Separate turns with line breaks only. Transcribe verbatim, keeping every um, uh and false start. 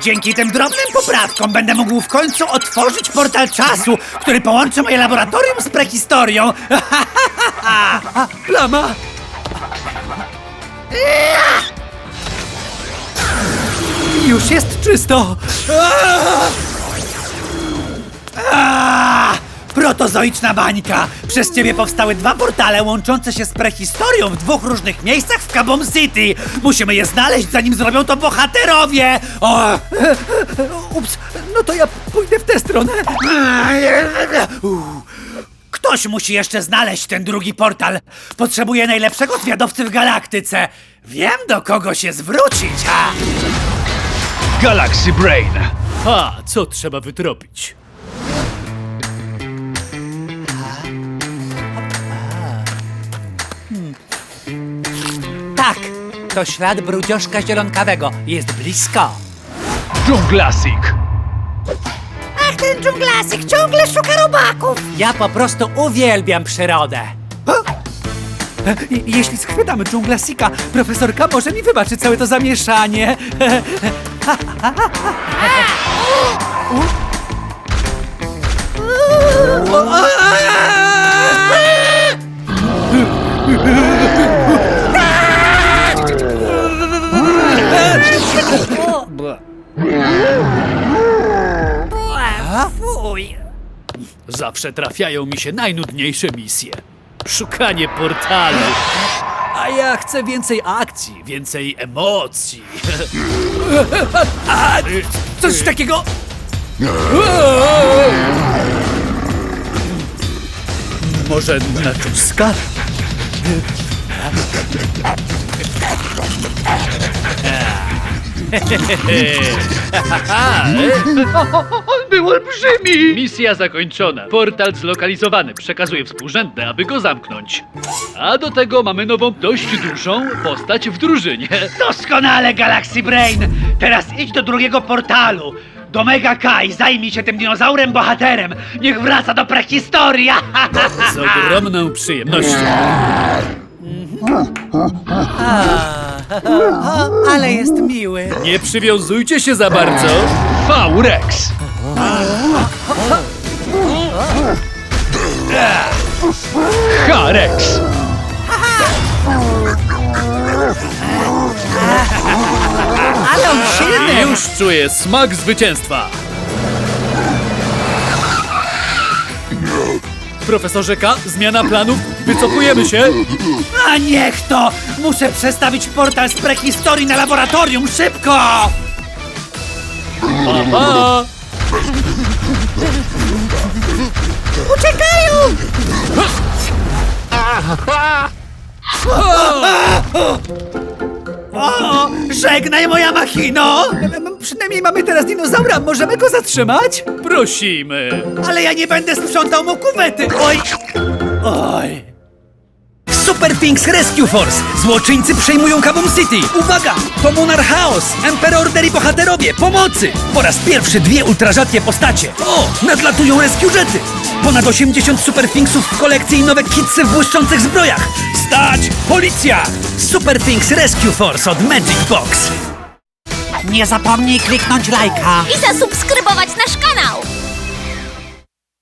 Dzięki tym drobnym poprawkom będę mógł w końcu otworzyć portal czasu, który połączy moje laboratorium z prehistorią. A, plama! Już jest czysto! A, protozoiczna bańka! Przez ciebie powstały dwa portale łączące się z prehistorią w dwóch różnych miejscach w Kaboom City. Musimy je znaleźć, zanim zrobią to bohaterowie! O, ups, no to ja pójdę w tę stronę. Ktoś musi jeszcze znaleźć ten drugi portal. Potrzebuję najlepszego zwiadowcy w galaktyce. Wiem, do kogo się zwrócić, ha!
Galaxy Brain.
A, co trzeba wytropić?
Tak, to ślad brudzioszka zielonkawego. Jest blisko.
Dżunglasik.
Ach, ten dżunglasik ciągle szuka robaków!
Ja po prostu uwielbiam przyrodę. Jeśli schwytamy dżunglasika, profesorka może mi wybaczy całe to zamieszanie.
Fuj!
Zawsze trafiają mi się najnudniejsze misje. Szukanie portalu. A ja chcę więcej akcji, więcej emocji.
A, coś takiego...
Może na czuska?
On był olbrzymi!
Misja zakończona. Portal zlokalizowany. Przekazuję współrzędne, aby go zamknąć. A do tego mamy nową, dość dużą postać w drużynie.
Doskonale, Galaxy Brain! Teraz idź do drugiego portalu. Do Mega Kai, zajmij się tym dinozaurem bohaterem. Niech wraca do prehistorii.
Z ogromną przyjemnością.
Ale jest miły.
Nie przywiązujcie się za bardzo.
V-Rex. H-Rex.
Ale on silny.
Już czuję smak zwycięstwa. Profesorze K, zmiana planów. Wycofujemy się.
A niech to! Muszę przestawić portal z prehistorii na laboratorium, szybko!
Pa, pa.
Uciekają!
O, żegnaj moja machino! Przynajmniej mamy teraz dinozaura, możemy go zatrzymać?
Prosimy.
Ale ja nie będę sprzątał mu kuwety! Oj! Oj!
Super Things Rescue Force! Złoczyńcy przejmują Kaboom City! Uwaga! To Monarch Chaos! Emperor Order i bohaterowie! Pomocy! Po raz pierwszy dwie ultrarzadkie postacie! O! Nadlatują rescue jety! Ponad osiemdziesiąt Super Thingsów w kolekcji i nowe kitsy w błyszczących zbrojach! Stać! Policja! Super Things Rescue Force od Magic Box!
Nie zapomnij kliknąć lajka!
I zasubskrybować nasz kanał!